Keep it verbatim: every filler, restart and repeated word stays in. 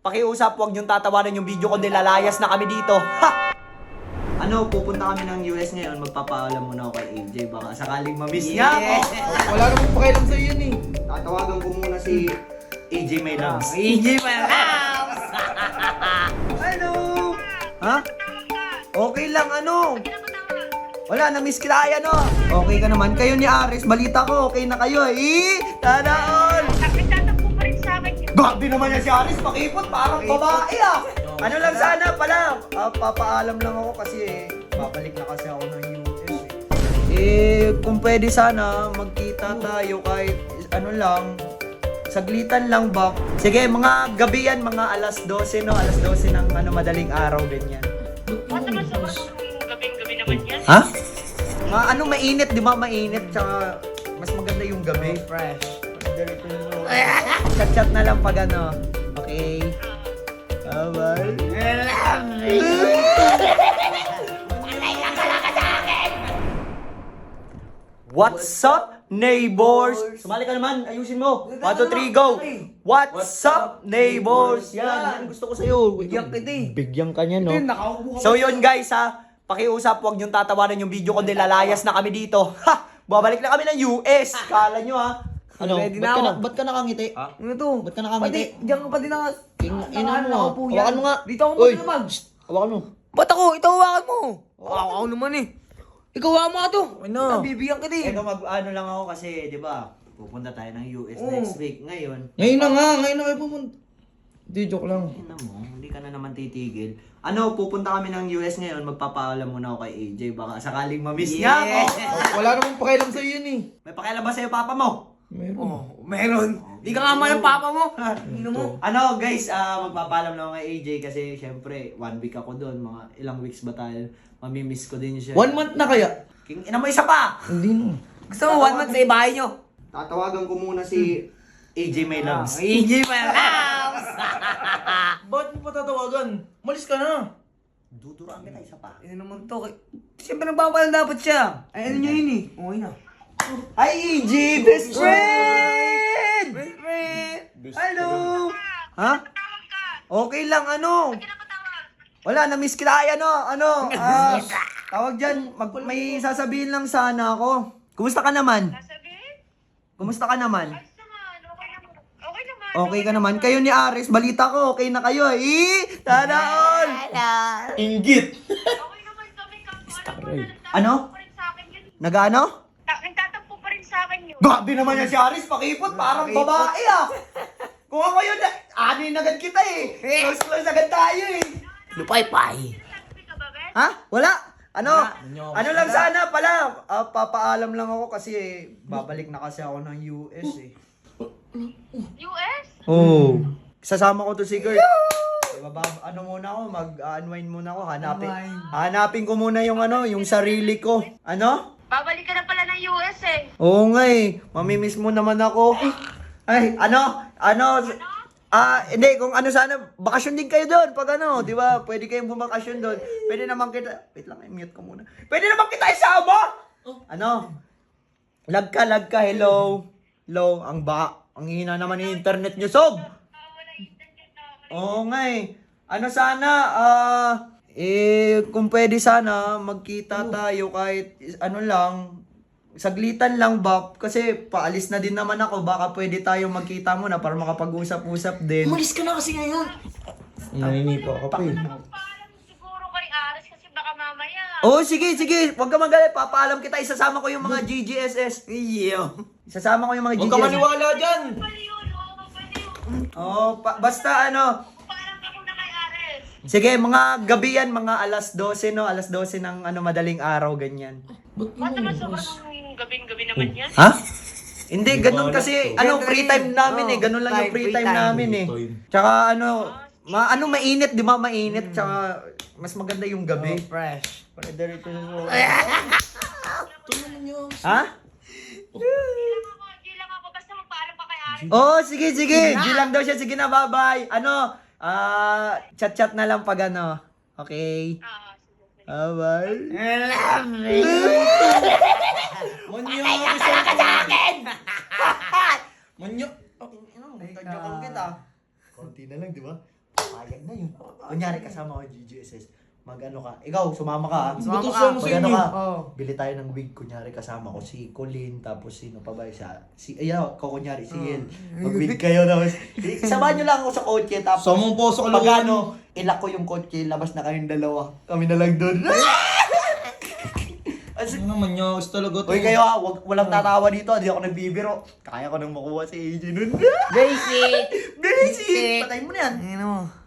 pakiusap, huwag niyong tatawanan yung video kundi lalayas na kami dito. Ha! Ano, pupunta kami ng U S ngayon, magpapaalam muna ako kay A J, baka sakaling mamiss niya ako. Wala namang pakialam sa'yo yun eh. Tatawagan ko muna si A J May Loves. A J May Loves! Hello! Ha? Okay lang, ano? Wala, na-miss kita ay ano. Okay ka naman. Kayo ni Aris, balita ko, okay na kayo eh. Tada all! Nagtatakbo pa rin sa akin. Grabe naman yan si Aris, pakipot, parang babae ah. Ano lang sana pala, ah, papaalam lang ako kasi babalik na kasi ako ng U S eh. Eh, kung pwede sana, magkita tayo kahit ano lang, saglitan lang ba? Sige, mga gabi yan, mga alas dose no, alas dose ng ano, madaling araw, ganyan. Ba't naman sa gabing-gabi naman yan? Ha? Ma ano, mainit, di ba? Mainit, tsaka mas maganda yung gabi. Fresh. Chat-chat na lang pag ano. Okay. Bye-bye. What's up, neighbors? Sumali ka naman, ayusin mo. one, two, three, go! What's up, neighbors? Yan, yan gusto ko sa'yo. Bigyan kita eh. Bigyan ka niya, no? Hindi, nakaupo ka. So yun guys ha, pakiusap, huwag niyong tatawanan yung video kundi lalayas na kami dito. Ha! Babalik na kami ng U S. Kala nyo ha. Ano? Ready Ba't na ka, na, ako. ba't ka nakangiti? Ano to? Ba't ka nakangiti? Pati, diyan ka pati naka... Ing- naka- ina mo, nakaupo yan. hawakan mo nga. Dito ako Uy. magdamag. Hawakan mo. Ba't ako? Ito hawakan mo. Ako, ako naman eh. Ikaw hawakan mo nga to. Ano? Bibigyan kita eh. Ito mag ano lang ako kasi, di ba? Pupunta tayo ng U S Oo. next week. Ngayon, Ngayon na nga, ngayon na kayo pumunta. Di, joke lang. ina mo, hindi ka na naman titigil. Ano, pupunta kami ng U S ngayon, magpapaalam muna ako kay A J, baka sakaling mamiss niya ako. Wala namang pakialam sa'yo yun eh. May pakialam ba sa'yo, papa mo? Meron. Oh, meron. Di ka nga man ang papa mo. Ino mo. Ano guys, ah magpapaalam lang ako kay A J kasi syempre one week ako doon, mga ilang weeks ba tayo, mamimiss ko din siya. One month na kaya? King, ina mo isa pa! Hindi no. Gusto mo one month sa ibahay nyo? Tatawagan ko muna si A J May Loves. A J May Loves! Ba't mo pa tatawagan? Malis ka na. Duduruan kita isa pa. Ano naman to? Siyempre nagpapalan dapat siya. Ay ano nyo yun eh. Okay na. Hi A J, best friend! Best friend! Hello! Ha? Okay lang, ano? Wala, na-miss kita ay ano, ano, ah, tawag dyan, mag, may sasabihin lang sana ako. Kumusta ka naman? Sasabihin? Kumusta ka naman? Ayos naman. Okay naman. Okay naman. Okay ka naman. Kayo ni Aris, balita ko, okay na kayo eh. Tada all! Inggit! Okay naman kami. Alam mo na, nagtatakbo Ano? pa rin sa akin yun. Nag-ano? Ta- Nagtatakbo pa rin sa akin yun. Grabe naman yan si Aris, pakipot, parang babae ah. Kung ako yun, anin agad kita eh. Close close agad tayo eh. Lupay-pay. Sabi ka ba, Ben? Ha? Wala. Ano? Wala. Ano lang sana pala, ah, papaalam lang ako kasi eh, babalik na kasi ako ng U S eh. U S? Oo. Oh. Sasama ko to si Gert. Diba, bab- ano muna ako, mag-unwind muna ako, hanapin. Unwind. Hanapin ko muna yung ano, yung sarili ko. Ano? Babalik ka na pala ng U S eh. Oo nga eh, mamimiss mo naman ako. Ay, ano? Ano? Ah, hindi, kung ano sana, bakasyon din kayo doon pag ano, di ba? Pwede kayong bumakasyon doon. Pwede naman kita, wait lang, i-mute ko muna. Pwede naman kita isama! Ano? Lag ka, lag ka, hello. Hello, ang ba, ang hina naman ng internet nyo, Sob. Wala internet na. Oo nga eh. Ano sana, ah, eh, kung pwede sana, magkita tayo kahit ano lang, saglitan lang ba? Kasi paalis na din naman ako, baka pwede tayo magkita muna para makapag-usap-usap din. Malis ka na kasi ngayon. Naninipa ka pa eh. Paalam siguro kay Aris kasi baka mamaya. Oh, sige, sige. Huwag ka magalit. Papaalam kita. Isasama ko yung mga G G S S. Iyo. Isasama ko yung mga G G S Huwag ka S. maniwala dyan. Pwede yun, oo, pwede yun. Oh, pa- basta ano. Paalam ka muna kay Aris. Sige, mga gabi yan. Mga alas dose, no? Alas dose ng ano, madaling araw, ganyan. Ba't naman sobrang gabing-gabi naman yan? Ha? Hindi, ganun kasi, ano, free time namin eh. Oo, Ganun lang yung time, free free time time. namin eh. Tsaka ano, ma ano mainit, di ba? Mainit. Tsaka mas maganda yung gabi. Fresh. Pwede rito sa Tulungan nyo. Ha? Di lang ako, di lang ako. Basta magpaalam ka kay Aris. Oh, sige, sige. G lang daw siya. Sige na, bye-bye. Ano, ah, chat-chat na lang pag ano. Okay. Ah, sige, sige. Bye-bye. Monyo, gusto ka sa akin! Monyo. Tagyakan kita. Konti na lang, di ba? Payag na yun. Kunyari kasama ko G G S S. Mag-ano ka. Ikaw, sumama ka. ha? Sumama Butusan ka. mo sa Mag-ano inyo. ka. Oh. Bili tayo ng wig. Kunyari kasama ko si Colin. Tapos sino pa ba siya? Si, ayaw, ko kunyari si Yel. Mag-wig kayo. Tapos, samahan nyo lang ako sa kotse. Tapos, Sa mong poso pag kaluan. ano, ilak ko yung kotse. Labas na kayong dalawa. Kami na lang doon. Ano naman nyo? Gusto talaga to. Uy kayo ha, wag, walang tatawa dito. Hindi ako nagbibiro. Kaya ko nang makuha si A J nun. Basic! Basic! Patay mo na yan. Ano mo?